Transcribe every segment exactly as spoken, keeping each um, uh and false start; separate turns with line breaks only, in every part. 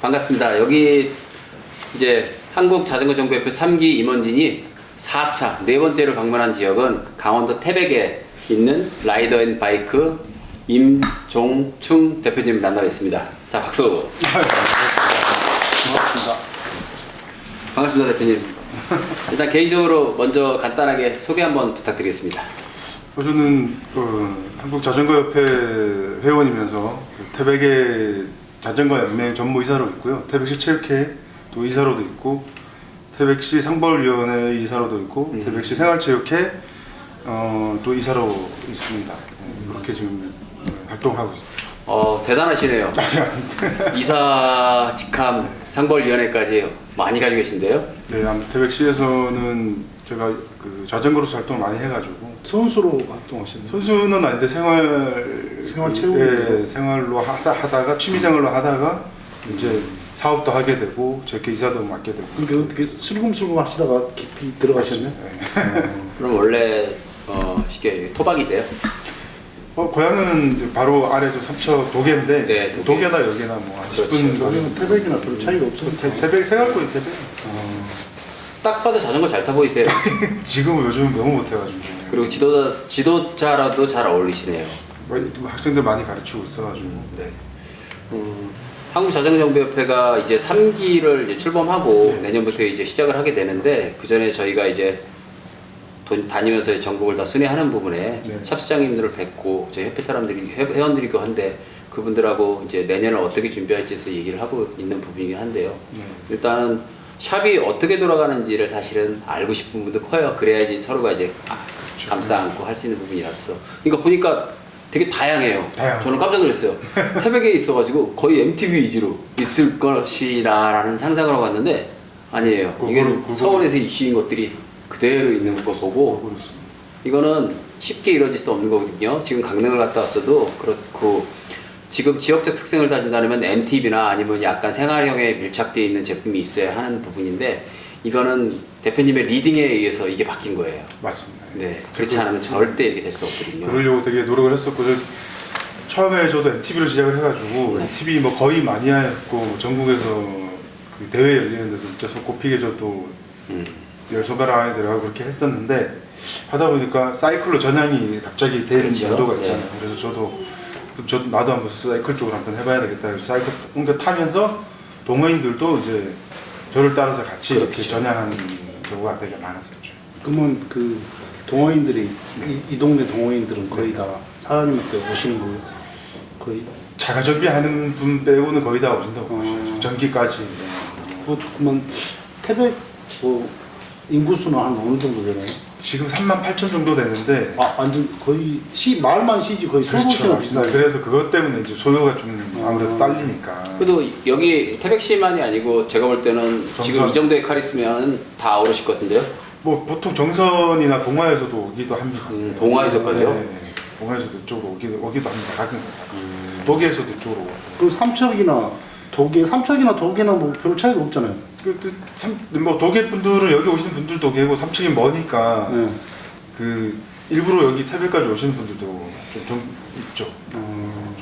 반갑습니다. 여기 이제 한국자전거정보협회 삼 기 임원진이 사 차 네 번째로 방문한 지역은 강원도 태백에 있는 라이더 앤 바이크 임종충 대표님을 만나고 있습니다. 자, 박수.
반갑습니다.
반갑습니다, 대표님. 일단 개인적으로 먼저 간단하게 소개 한번 부탁드리겠습니다.
어, 저는 어, 한국자전거협회 회원이면서 그 태백의 자전거 연맹 전무이사로 있고요. 태백시 체육회 또 이사로도 있고, 태백시 상벌위원회 이사로도 있고,
음.
태백시 생활체육회 어, 또 이사로 있습니다. 네, 그렇게 지금 활동을 하고 있습니다.
어, 대단하시네요. 이사, 직함, 상벌위원회까지 많이 가지고 계신데요.
네, 아무 태백시에서는 제가 그 자전거로서 활동을 많이 해가지고,
선수로 활동하시는
선수는 아닌데 생활
생활체육
예, 생활로 하다, 하다가 취미생활로 하다가 이제 사업도 하게 되고 제게 이사도 맡게 되고.
그게 어떻게 슬금슬금 하시다가 깊이 들어가셨네?
네.
그럼 원래 어, 쉽게 토박이세요?
어, 고향은 바로 아래죠. 삼척 도계인데,
네, 도계.
도계나 여기나 뭐한 십 분
그렇죠.
여기는 태백이나 별 차이가 없어요.
태- 태백 생활권이 태백.
딱 봐도 자전거 잘 타고 있어요.
지금은 요즘 너무 못해가지고.
그리고 지도자, 지도자라도 잘 어울리시네요.
뭐, 학생들 많이 가르치고 있어가지고.
네. 음, 한국자전거정보협회가 이제 삼 기를 이제 출범하고
네.
내년부터 이제 시작을 하게 되는데, 그 전에 저희가 이제 돈 다니면서 전국을 다 순회하는 부분에
네.
샵시장님들을 뵙고 저희 협회 사람들이 회- 회원들이고 한데, 그분들하고 이제 내년을 어떻게 준비할지에 대해서 얘기를 하고 있는 부분이긴 한데요.
네.
일단은 샵이 어떻게 돌아가는지를 사실은 알고 싶은 분도 커요. 그래야지 서로가 이제 감싸 안고 할 수 있는 부분이라서. 그러니까 보니까 되게 다양해요.
다양하죠.
저는 깜짝 놀랐어요. 태백에 있어가지고 거의 엠티비 위주로 있을 것이라는 상상을 하고 왔는데 아니에요. 이게
그거를- 그거를-
서울에서 이슈인 것들이 그대로 있는 거 보고,
그렇습니다.
이거는 쉽게 이루어질 수 없는 거거든요. 지금 강릉을 갔다 왔어도 그렇고, 지금 지역적 특성을 따진다면 엠티비나 아니면 약간 생활형에 밀착되어 있는 제품이 있어야 하는 부분인데, 이거는 대표님의 리딩에 의해서 이게 바뀐 거예요.
맞습니다.
네, 그렇지 않으면 절대 이렇게 될 수 없거든요.
그러려고 되게 노력을 했었고, 저 처음에 저도 엠티비로 시작을 해가지고
네.
엠티비 뭐 거의 마니아였고, 전국에서 그 대회 열리는 데서 진짜 손꼽히게 저도
음.
열 손가락 안에 들어가고 그렇게 했었는데, 하다 보니까 사이클로 전향이 갑자기 되는
그렇죠.
연도가
네.
있잖아요. 그래서 저도 그럼 저도 나도 한번 사이클 쪽으로 한번 해봐야 되겠다 해서 사이클 옮겨 타면서 동호인들도 이제 저를 따라서 같이 이렇게
그렇죠.
전향하는 경우가 되게 많았었죠.
그러면 그 동호인들이 이, 이 동네 동호인들은 거의 다 사장님한테 오시는 거예요? 거의?
자가 정비하는 분 빼고는 거의 다 오신다고
어.
보시죠. 전기까지.
어, 그러면 태백 뭐 인구수는 한 어느 정도 되나요?
지금 삼만 팔천 정도 되는데,
아 완전 거의 시 마을만 시지 거의 소도시가
그렇죠.
비슷하네.
그래서 그것 때문에 이제 소요가 좀 아무래도
어.
딸리니까.
그래도 여기 태백시만이 아니고 제가 볼 때는
정선.
지금 이 정도의 칼 있으면 다 어르실 것 같은데요?
뭐 보통 정선이나 동화에서도 오기도 합니다.
음, 동화에서까지요?
네, 동화에서도 이쪽으로 오기도, 오기도 합니다. 가끔 독일에서도 이쪽으로 오고.
그 삼척이나 도계, 삼척이나 도계나 뭐 별 차이가 없잖아요.
그, 그, 참, 뭐 독일 분들은 여기 오시는 분들도 계고 삼층이 머니까
네.
그 일부러 여기 태백까지 오시는 분들도 좀, 좀 있죠.
어,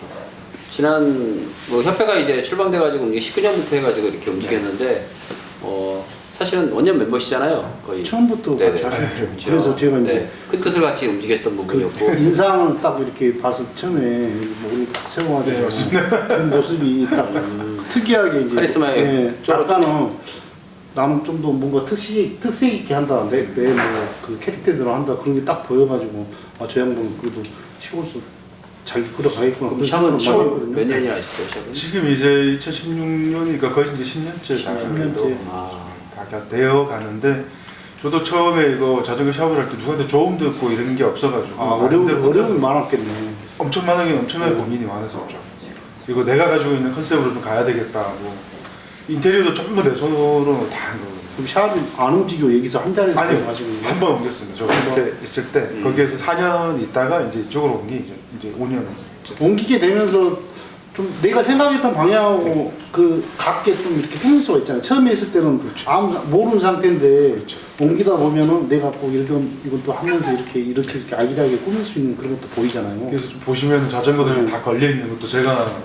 지난 뭐 협회가 이제 출범돼가지고 이제 십구 년부터 해가지고 이렇게 움직였는데, 어 사실은 원년 멤버시잖아요, 거의.
처음부터
네네.
같이 하셨죠.
그렇죠.
그래서 제가 이제
네, 큰 뜻을 같이 움직였던
그
부분이었고.
인상을 딱 이렇게 봐서 처음에 목이 딱
네,
세워가지고
맞습니다.
그 모습이 딱 특이하게 이제
카리스마에
예,
쫄아
약간은 나는 좀 더 뭔가 특색 특색 있게 한다 내내뭐그 캐릭터대로 한다 그런 게 딱 보여가지고 아 저 양반은 그래도 시골서 잘 이끌어 가겠구나.
그럼
그런
샵은
생각을 많이
샵은
했거든요.
몇 년이나 하셨어요, 샵은?
지금 이제 이천십육 년이니까 거의 이제 십 년째 다
십 년째.
아,
다 되어 가는데, 저도 처음에 이거 자전거 샵을 할 때 누구한테 조언 듣고 이런 게 없어가지고
아 어려움
나름대로 혼자서
어려움이 많았겠네.
엄청나게 엄청나게
네.
고민이 많았었죠. 그리고 내가 가지고 있는 컨셉으로 좀 가야 되겠다 하고, 인테리어도 전부 내 손으로 다 한 거거든요.
그럼 샵이 안 움직여 여기서 한 자리에서
아니요,
가지고
한 번 옮겼습니다. 저 그때 있을 때
음.
거기에서 사 년 있다가 이제 이쪽으로 온 게 이제 이제 오 년.
옮기게 되면서 좀 내가 생각했던 방향하고 그 같게 좀 이렇게 꾸밀 수가 있잖아요. 처음에 있을 때는 아무 모르는 상태인데
그렇죠.
옮기다 보면은 내가 꼭 예를 들면 이것도 하면서 이렇게 이렇게 이렇게 아기자기하게 꾸밀 수 있는 그런 것도 보이잖아요.
그래서 좀 보시면 자전거도 좀
네.
다 걸려 있는 것도 제가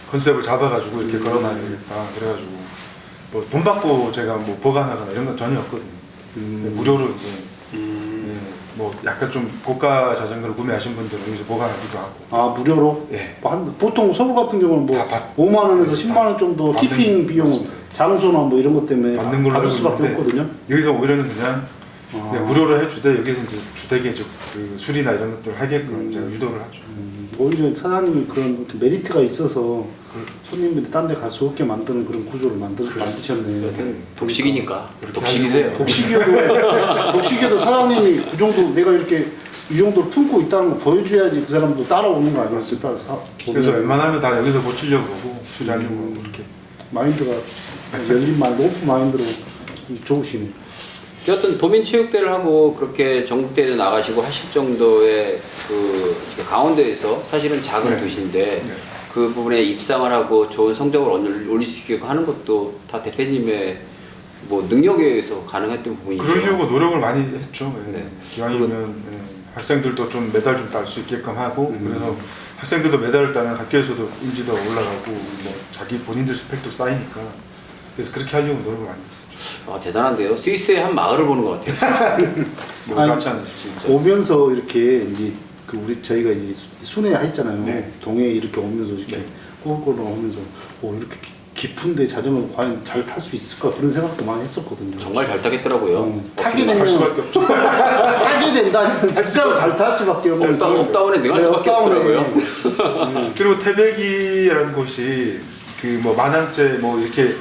컨셉을 잡아가지고 이렇게
음.
걸어놔야 되겠다. 그래가지고 뭐 돈 받고 제가 뭐 보관하거나 이런 건 전혀 없거든요.
음.
무료로 이제
음.
예, 뭐 약간 좀 고가 자전거를 구매하신 분들은 여기서 보관하기도 하고.
아 무료로?
예.
뭐 한, 보통 서울 같은 경우는 뭐
다 받-
오만 원에서
네,
십만 원 정도
받는-
티핑 비용,
맞습니다.
장소나 뭐 이런 것 때문에
받는 걸로
받을
알고
수밖에
있는데
없거든요.
여기서 오히려는 그냥,
아.
그냥 무료로 해주되 여기서 이제 주택에 이제 그 수리나 이런 것들을 하게끔
음.
제가 유도를 하죠.
음, 오히려 사장님이 그런 어떤 메리트가 있어서
그-
손님들이 딴 데 갈 수 없게 만드는 그런 구조를 만들, 만드셨네.
여튼 독식이니까
그렇게
독식이세요.
하려고.
독식이어도, 독식이어도 사장님이 그 정도 내가 이렇게 이 정도를 품고 있다는 거 보여줘야지 그 사람도 따라오는 거 아니었을까? 사-
그래서
보면
웬만하면 다 여기서 고치려고 하고 수리하려고
음.
하고 이렇게.
마인드가 열린 마인드, 오픈 마인드로 좋으시네.
여튼 도민체육대를 하고 그렇게 전국대회도 나가시고 하실 정도의 그 지금 강원도에서 사실은 작은
네.
도시인데
네.
그 부분에 입상을 하고 좋은 성적을 올릴 올릴 수 있게 하는 것도 다 대표님의 뭐 능력에 의해서 가능했던 부분이죠.
그러려고 노력을 많이 했죠. 예.
네.
기왕이면 예, 학생들도 좀 메달 좀 딸 수 있게끔 하고
음.
그래서 학생들도 메달을 따면 학교에서도 인지도가 올라가고 뭐 자기 본인들 스펙도 쌓이니까 그래서 그렇게 하려고 노력을 많이 했었죠.
아, 대단한데요. 스위스의 한 마을을 보는 것 같아요.
뭐
아니,
같이 하는
진짜.
오면서 이렇게 이제 그 우리 저희가 이제 수- 순회 했잖아요.
네.
동해 이렇게 오면서 이렇게
네.
꼬불꼬불 오면서 오 이렇게 기- 깊은데 자전거 과연 잘 탈 수 있을까 그런 생각도 많이 했었거든요.
정말 잘 타겠더라고요.
음,
어,
타게
할
되면
수밖에 없죠.
타게 된다면 진짜로 잘 탈 수밖에 없는
업다-
상황.
업다운에 능할
네,
수밖에
업다운에.
없더라고요.
음.
그리고 태백이라는 곳이 그 뭐 만항제 뭐 이렇게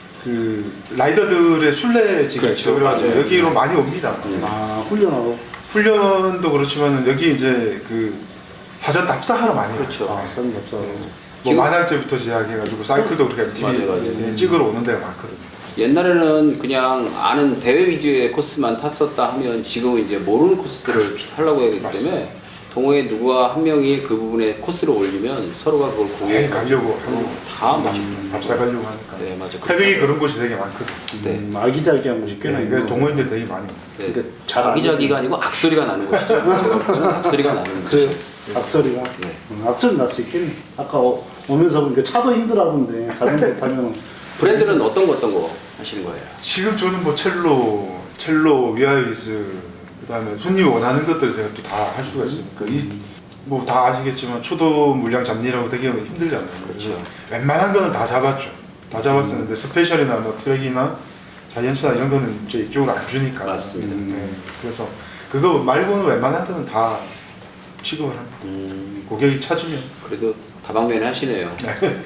그 라이더들의 순례지가
그렇죠.
있죠. 그래가지고
맞아요.
여기로 많이 옵니다.
아 훈련하고
훈련도 그렇지만 여기 이제 그 사전 답사하러 많이 와요.
그렇죠.
아 선 없어.
뭐
지금-
만항제부터 시작해가지고 사이클도 그렇게 엠티비
맞아요, 맞아요.
예, 찍으러 오는 데가 많거든요.
옛날에는 그냥 아는 대회 위주의 코스만 탔었다 하면 지금은 이제 모르는 코스들을 하려고 하기 때문에
맞습니다.
동호회 누구와 한 명이 그 부분에 코스를 올리면 서로가 그걸 공유해
예, 가려고 하고
다 맞죠.
답사 가려고 하니까.
네, 맞아.
태백이 그런 곳이 되게 많거든요.
네.
음, 아기자기한 곳이 꽤나
네,
있고.
그래서 동호인들 되게 많이 와요.
네.
그러니까 잘
아기자기가 아니고 악소리가 나는 것이죠. 제가 볼 때는 악소리가 나는
그래요.
것이죠.
악소리가.
네.
음, 악소리 날 수 있겠네. 아까 오- 오면서 보니까 차도 힘들하던데 자전거 타면
브랜드는 어떤 거 어떤 거 하시는 거예요?
지금 저는 뭐 첼로, 첼로, 위아이스 그다음에 손님이 원하는 것들을 제가 또 다 할 수가 있으니까 이 뭐 다 아시겠지만 초도 물량 잡느라고 되게 힘들잖아요.
그렇죠.
그래서 웬만한 거는 다 잡았죠. 다 잡았었는데 스페셜이나 뭐 트랙이나 자이언츠나 이런 거는 이제 이쪽으로 안 주니까.
맞습니다.
네. 그래서 그거 말고는 웬만한 거는 다 취급을 합니다.
음,
고객이 찾으면.
그래도 다방면을 하시네요.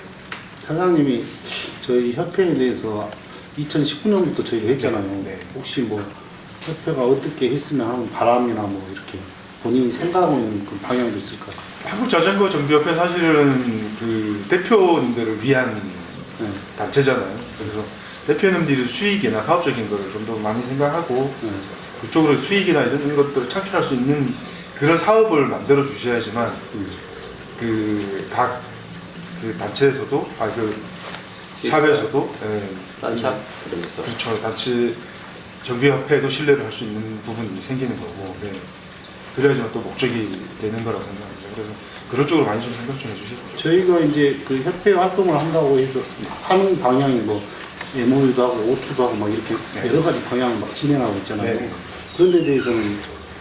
사장님이 저희 협회에 대해서 이천십구 년부터 저희가 했잖아요.
네, 네.
혹시 뭐 협회가 어떻게 했으면 하는 바람이나 뭐 이렇게 본인이 생각하고 있는 그 방향도 있을까요?
한국 자전거 정비협회 사실은 그 대표님들을 위한
네.
단체잖아요. 그래서 대표님들이 수익이나 사업적인 거를 좀 더 많이 생각하고
네.
그쪽으로 수익이나 이런 것들을 창출할 수 있는 그런 사업을 만들어 주셔야지만
음.
그 각 그 단체에서도 아 그 샵에서도 예,
딴샵 그러면서.
그렇죠. 단체 정비협회도 신뢰를 할 수 있는 부분이 생기는 거고 예. 그래야지만 또 목적이 되는 거라고 생각합니다. 그래서 그런 쪽으로 많이 좀 생각 좀 해주시죠.
저희가 이제 그 협회 활동을 한다고 해서 하는 방향이 뭐 엠오유도 하고 오투도 하고 막 이렇게
네.
여러 가지 방향을 막 진행하고 있잖아요.
네.
그런 데 대해서는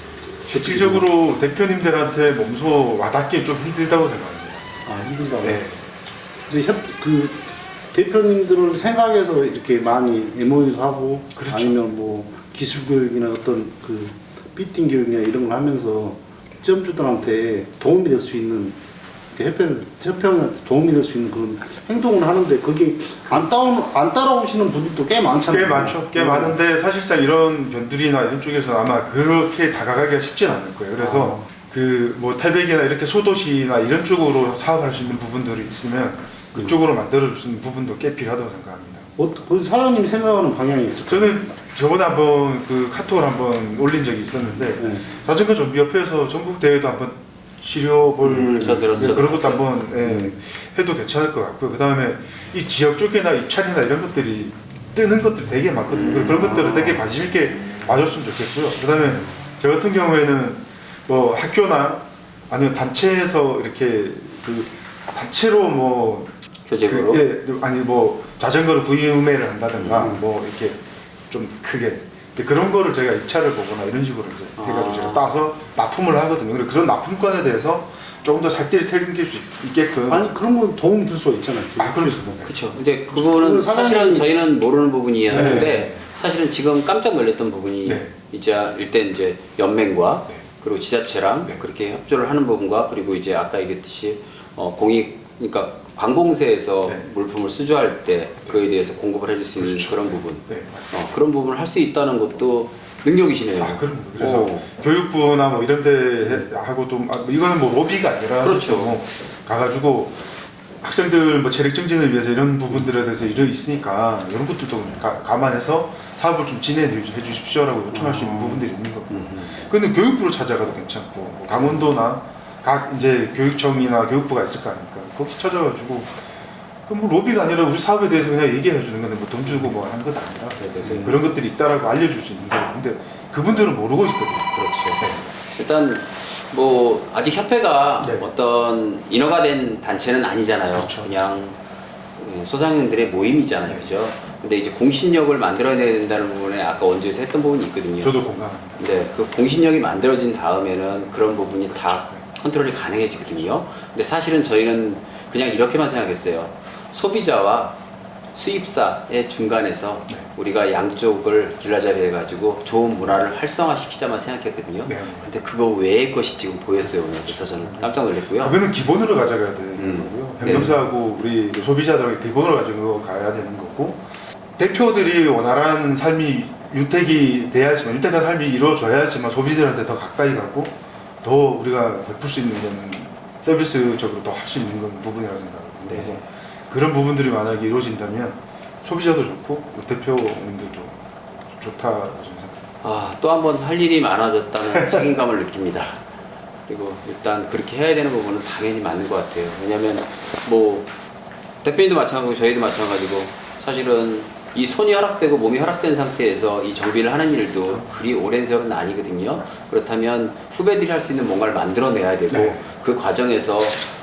실질적으로 대표님들한테 몸소 와닿기 좀 힘들다고 생각합니다.
아 힘들다고.
네.
근데 협, 그 대표님들을 생각해서 이렇게 많이 엠오유도 하고
그렇죠.
아니면 뭐 기술 교육이나 어떤 그 피팅 교육이나 이런 걸 하면서 점주들한테 도움이 될 수 있는 협회는 협회한테 도움이 될 수 있는 그런 행동을 하는데 그게 안 따오 안 따라오시는 분들도 꽤 많잖아요.
꽤 많죠. 꽤
음.
많은데 사실상 이런 변두리나 이런 쪽에서는 아마 그렇게 다가가기가 쉽진 않을 거예요. 그래서
아.
그 뭐 태백이나 이렇게 소도시나 이런 쪽으로 사업할 수 있는 부분들이 있으면 그쪽으로 만들어 줄 수 있는 부분도 꽤 필요하다고 생각합니다.
어, 그 사장님이 생각하는 방향이 있을까요?
저는 저번에 한번 그 카톡을 한번 올린 적이 있었는데
네.
자전거 정비협회에서 전국 대회도 한번 치료볼
음, 저 들었- 저
그런 것도
들었어요.
한번 예, 해도 괜찮을 것 같고요. 그 다음에 이 지역 쪽이나 입찰이나 이런 것들이 뜨는 것들이 되게 많거든요.
음.
그런 것들을 되게 관심 있게 봐줬으면 좋겠고요. 그 다음에 저 같은 경우에는 뭐 학교나 아니면 단체에서 이렇게 그 단체로 뭐
교재로.
그, 예, 아니 뭐 자전거를 구매를 한다든가
음.
뭐 이렇게 좀 크게 근데 그런 거를 제가 입찰을 보거나 이런 식으로 이제 해가지고
아.
제가 따서 납품을 하거든요. 그래서 그런 납품권에 대해서 조금 더 살뜰히 챙길 수 있게끔.
아니 그런 건 도움 줄 수가 있잖아요.
아, 그럼요.
그렇죠. 이제 그거는
그걸
사실은
사장님이-
저희는 모르는 부분이었는데
네.
사실은 지금 깜짝 놀랐던 부분이
네.
이제 일단 이제 연맹과
네.
그리고 지자체랑
네.
그렇게 협조를 하는 부분과 그리고 이제 아까 얘기했듯이 어, 공익 그러니까 관공서에서
네.
물품을 수주할 때 그에 대해서 공급을 해줄 수 있는
그렇죠.
그런 부분,
네, 맞습니다.
어, 그런 부분을 할 수 있다는 것도 능력이시네요.
아, 그럼 그래서
어. 교육부나
교육부나 뭐 이런 데 해- 하고도 아, 뭐 이거는 뭐 로비가 아니라
그렇죠.
뭐 가가지고 학생들 뭐 체력 증진을 위해서 이런 부분들에 대해서 일이 있으니까 이런 것들도 가, 감안해서 사업을 좀 진행해 주십시오라고 요청할 수 있는
아.
부분들이 있는 거고.
음.
근데 교육부로 찾아가도 괜찮고 뭐 강원도나 각 이제 교육청이나 교육부가 있을 거 아닙니까? 거기 찾아가지고 그럼 뭐 로비가 아니라 우리 사업에 대해서 그냥 얘기해 주는 건데 뭐 돈 주고 뭐 하는 건 아니라
네네네.
그런 것들이 있다라고 알려줄 수 있는 거예요. 근데 그분들은 모르고 있거든요.
그렇죠.
네.
일단 뭐 아직 협회가
네.
어떤 인허가 된 단체는 아니잖아요.
그렇죠.
그냥 소상인들의 모임이잖아요,
네.
그죠? 근데 이제 공신력을 만들어내야 된다는 부분에 아까 원주에서 했던 부분이 있거든요.
저도 공감합니다.
근데 그 공신력이 만들어진 다음에는 그런 부분이 다 컨트롤이 가능해지거든요. 근데 사실은 저희는 그냥 이렇게만 생각했어요. 소비자와 수입사의 중간에서
네.
우리가 양쪽을 길라잡이 해가지고 좋은 문화를 활성화시키자만 생각했거든요.
네.
근데 그거 외의 것이 지금 보였어요, 오늘. 그래서 저는 깜짝 놀랐고요.
그거는 기본으로 가져가야 되는
음.
거고요.
네.
행정사하고 우리 소비자들에게 기본으로 가지고 가야 되는 거고 대표들이 원활한 삶이 유택이 돼야지만 유택한 삶이 이루어져야지만 소비자들한테 더 가까이 가고 더 우리가 베풀 수 있는 거는 서비스적으로 더 할 수 있는 건 부분이라고 생각합니다.
네.
그래서 그런 부분들이 만약에 이루어진다면 소비자도 좋고 우리 대표님들도 좋다고 저는 생각합니다.
아, 또 한 번 할 일이 많아졌다는 책임감을 느낍니다. 그리고 일단 그렇게 해야 되는 부분은 당연히 맞는 것 같아요. 왜냐면 뭐 대표님도 마찬가지고 저희도 마찬가지고 사실은 이 손이 허락되고 몸이 허락된 상태에서 이 정비를 하는 일도 그리 오랜 세월은 아니거든요. 그렇다면 후배들이 할 수 있는 뭔가를 만들어내야 되고
네.
그 과정에서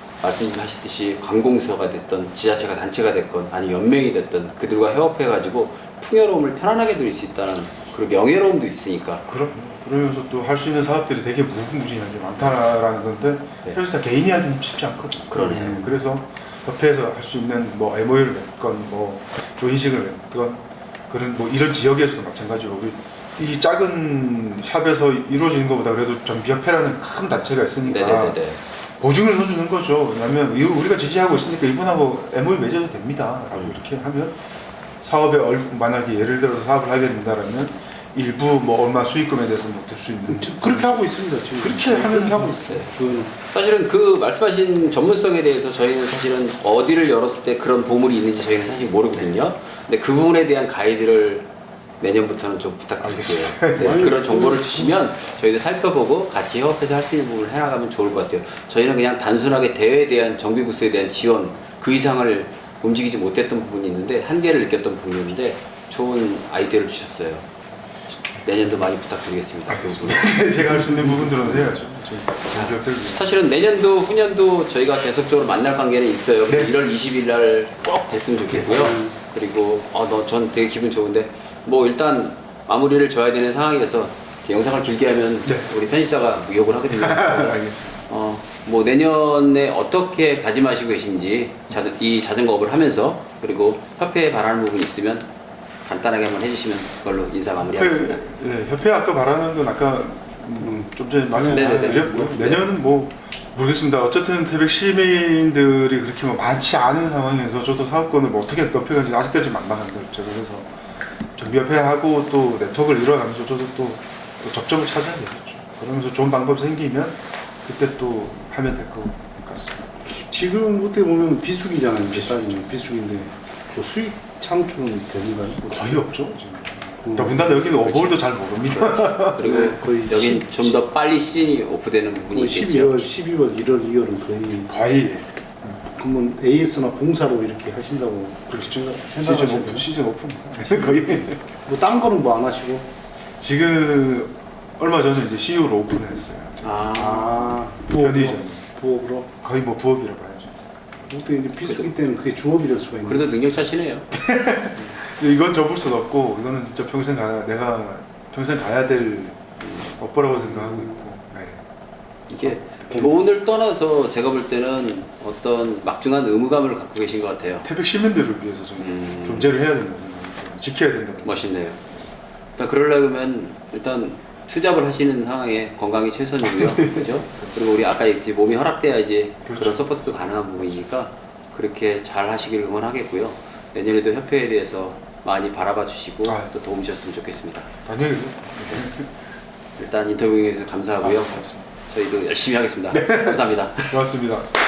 말씀하셨듯이 관공서가 됐던 지자체가 단체가 됐건 아니 연맹이 됐든 그들과 협업해가지고 풍요로움을 편안하게 누릴 수 있다는 그리고 명예로움도 있으니까
그럼 그러면서 또 할 수 있는 사업들이 되게 무궁무진한 게 많다라는 건데
네.
사실상 개인이 하기는 쉽지 않거든요.
그러네요.
네, 그래서 협회에서 할 수 있는 뭐 엠오유를 맺건 뭐 조인식을 맺건 그런 뭐 이런 지역에서도 마찬가지로 우리 이 작은 샵에서 이루어지는 것보다 그래도 전비협회라는 큰 단체가 있으니까
네네네.
보증을 해주는 거죠. 왜냐하면 이- 우리가 지지하고 있으니까 이분하고 엠오유 맺어도 됩니다라고
음.
이렇게 하면 사업에 얼 만약에 예를 들어서 사업을 하게 된다라면 일부 뭐 얼마 수익금에 대해서 못할 수 있는
그렇게 하고 있습니다. 지금
그렇게 하면
하고 있어요.
네.
그
사실은 그 말씀하신 전문성에 대해서 저희는 사실은 어디를 열었을 때 그런 보물이 있는지 저희는 사실 모르거든요. 근데 그 부분에 대한 가이드를 내년부터는 좀 부탁드릴게요.
알겠습니다.
네,
아니,
그런
그-
정보를 주시면 저희도 살펴보고 같이 협업해서 할 수 있는 부분을 해나가면 좋을 것 같아요. 저희는 그냥 단순하게 대회에 대한 정비부스에 대한 지원 그 이상을 움직이지 못했던 부분이 있는데 한계를 느꼈던 부분이었는데 좋은 아이디어를 주셨어요. 내년도 많이 부탁드리겠습니다. 그 부분.
제가 할 수 있는 부분들은 해야죠. 자,
사실은 내년도 후년도 저희가 계속적으로 만날 관계는 있어요.
네.
일월 이십일 날 꼭 뵀으면 좋겠고요.
네.
그리고 어, 너, 전 되게 기분 좋은데 뭐 일단 마무리를 져야 되는 상황이라서 영상을 길게 하면
네.
우리 편집자가 욕을 하거든요. 그래서
알겠습니다.
어, 뭐 내년에 어떻게 다짐하시고 계신지 자, 이 자전거업을 하면서 그리고 협회에 바라는 부분이 있으면 간단하게 한번 해주시면 그걸로 인사 마무리하겠습니다.
협회, 네, 협회 아까 말하는 건 아까 음, 좀 전에
네네네.
말씀드렸고요.
네.
내년은 뭐 모르겠습니다. 어쨌든 태백 시민들이 그렇게 뭐 많지 않은 상황에서 저도 사업권을 뭐 어떻게 넓혀가는지 아직까지 막막한데 제가 그래서 정비협회하고 또 네트워크를 이뤄가면서 저도 또, 또 접점을 찾아야 되겠죠. 그러면서 좋은 방법이 생기면 그때 또 하면 될 것 같습니다.
지금 어떻게 보면 비수기잖아요.
비수기죠.
비수기. 비수기인데 그 수익 창출은 되는가요?
거의 없죠. 지금.
음.
더군다나 여기는
그렇지.
어버울도 잘 모릅니다.
그리고
거의
여긴
십-
좀 더 빨리 시즌이 오프되는 부분이
뭐
있겠죠.
십이월, 십이월, 일월, 이월은 거의
거의
그러면 에이에스나 봉사로 이렇게 하신다고 그렇게 생각-
시즌
생각하시나요?
오픈, 시즌 오픈. 거의.
뭐딴 거는 뭐 안 하시고?
지금 얼마 전에 이제 씨유를 오픈했어요.
아,
아,
편의점.
부업으로?
거의 뭐 부업이라 봐야죠.
보통 이제 비수기 때는 그게 주업이 될 수가 있는.
그래도 능력자시네요.
근데 이건 접을 수 없고 이거는 진짜 평생 가 내가 평생 가야 될 업보라고 생각하고 있고. 네.
이게 돈을 떠나서 제가 볼 때는 어떤 막중한 의무감을 갖고 계신 것 같아요.
태백 시민들을 위해서 좀
음.
존재를 해야 된다고 생각해요. 지켜야 된다고.
멋있네요. 일단 그러려면 일단 투잡을 하시는 상황에 건강이 최선이고요. 그죠? 그리고 우리 아까 얘기했지 몸이 허락돼야지
그렇죠.
그런 서포트도 가능한 부분이니까 그렇게 잘 하시길 응원하겠고요. 내년에도 협회에 대해서 많이 바라봐 주시고
아.
또 도움 주셨으면 좋겠습니다.
당연히.
일단 인터뷰에 주셔서 감사하고요.
아, 고맙습니다.
저희도 열심히 하겠습니다. 감사합니다.
고맙습니다.